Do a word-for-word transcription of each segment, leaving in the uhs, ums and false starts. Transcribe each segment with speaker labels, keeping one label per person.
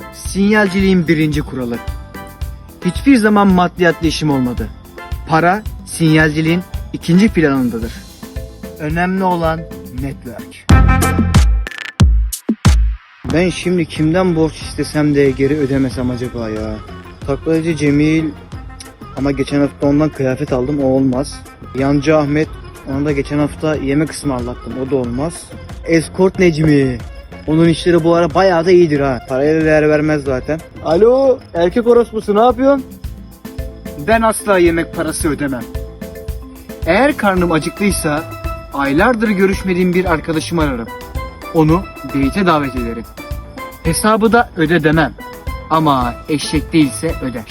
Speaker 1: Sinyalciliğin birinci kuralı. Hiçbir zaman maddiyatla işim olmadı. Para sinyalciliğin ikinci planındadır. Önemli olan network. Ben şimdi kimden borç istesem de geri ödemesem acaba ya? Taklacı Cemil, cık, ama geçen hafta ondan kıyafet aldım, o olmaz. Yancı Ahmet, ona da geçen hafta yemek ısmarlattım, o da olmaz. Escort Necmi, onun işleri bu ara bayağı da iyidir ha. Paraya da değer vermez zaten. Alo, erkek orospusu, ne yapıyorsun? Ben asla yemek parası ödemem. Eğer karnım acıktıysa aylardır görüşmediğim bir arkadaşımı ararım. Onu date'e davet ederim. Hesabı da öde demem. Ama eşek değilse öder.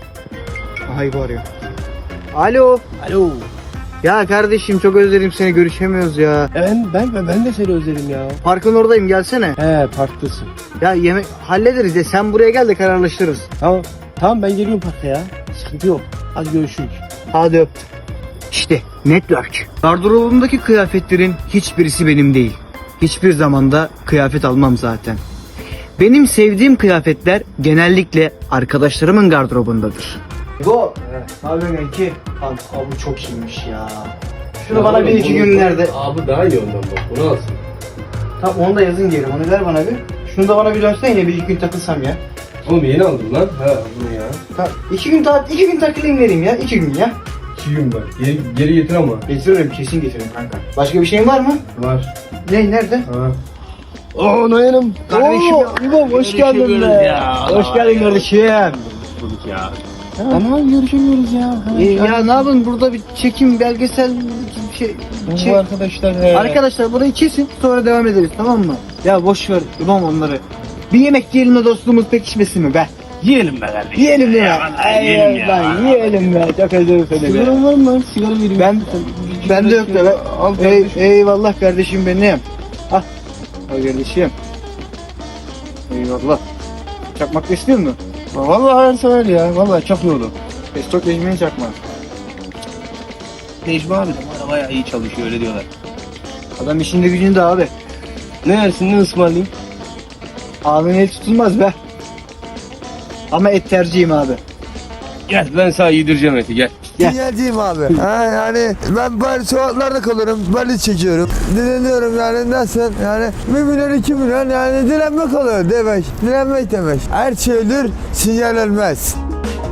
Speaker 1: Ay var ya. Alo.
Speaker 2: Alo.
Speaker 1: Ya kardeşim, çok özledim seni, görüşemiyoruz ya.
Speaker 2: Ben ben ben, ben de seni özledim ya.
Speaker 1: Parkın oradayım, gelsene.
Speaker 2: He, parktasın.
Speaker 1: Ya yemek hallederiz de sen buraya gel de kararlaştırırız.
Speaker 2: Tamam. Tamam, ben geliyorum parka ya. Sıkıntı yok. Hadi görüşürüz.
Speaker 1: Hadi öptüm. İşte network. Gardırobumdaki kıyafetlerin hiçbirisi benim değil. Hiçbir zamanda kıyafet almam zaten. Benim sevdiğim kıyafetler genellikle arkadaşlarımın gardırobundadır. Go. Ne yapıyorsun kanki? Abi, abi çok iyiymiş ya. Şunu bana bir iki günlerde.
Speaker 2: Abi daha iyi ondan bak. Bunu alsın.
Speaker 1: Tamam, onu da yazın geri. Onu ver bana bir. Şunu da bana bir dönsene, yine bir iki gün takılsam ya.
Speaker 2: Oğlum yeni aldım lan. Ha bunu ya.
Speaker 1: Tamam. İki gün ta iki gün takılayım vereyim ya. İki gün ya.
Speaker 2: İki gün var. Geri, geri getir ama.
Speaker 1: Getiririm, kesin getiririm kanka. Başka bir şeyin var mı?
Speaker 2: Var.
Speaker 1: Ne, nerede?
Speaker 2: Ha. Oo Nayan'ım.
Speaker 1: Kardeşim.
Speaker 2: Oo, İmam hoş geldin be.
Speaker 1: Ya. Hoş geldin kardeşim.
Speaker 2: Bulduk ya. Ama görüşemiyoruz ya.
Speaker 1: Ee, ya ne yapın, burada bir çekim, belgesel bir şey.
Speaker 2: Bu
Speaker 1: şey.
Speaker 2: arkadaşlar he.
Speaker 1: Arkadaşlar burayı kesin, sonra devam ederiz, tamam mı? Ya boş ver İmam onları. Bir yemek yiyelim de dostluğumuz pekişmesin mi be?
Speaker 2: Yiyelim be kardeşim.
Speaker 1: Yiyelim ya. Ay,
Speaker 2: yiyelim ya.
Speaker 1: lan, yiyelim ya. Çok özledim seni be.
Speaker 2: Sigara var mı lan? Sigara vereyim.
Speaker 1: Ben ben de yok da ben.
Speaker 2: Al
Speaker 1: Ey,
Speaker 2: kardeşim.
Speaker 1: eyvallah kardeşim benim. Al. Al kardeşim. Eyvallah. Çakmak da istiyor musun?
Speaker 2: Vallahi her sever ya. Vallahi çok iyi oldu.
Speaker 1: Estok Necmi'nin çakmağı.
Speaker 2: Necmi abi de bana bayağı iyi çalışıyor, öyle diyorlar.
Speaker 1: Adam işinde gücünde abi.
Speaker 2: Ne yersin, ne ısmarlayayım?
Speaker 1: Ağzın el tutulmaz be. Ama et tercihim abi.
Speaker 2: Gel ben sana yedireceğim eti, gel.
Speaker 1: Gel.
Speaker 3: Sinyalciyim abi. Ha, yani ben böyle sokaklarda kalıyorum, böyle çekiyorum. Dileniyorum yani, nasıl? Yani bir milyon iki milyon, yani dilenmek oluyor demek. Dilenmek demek. Her şey ölür, sinyal ölmez.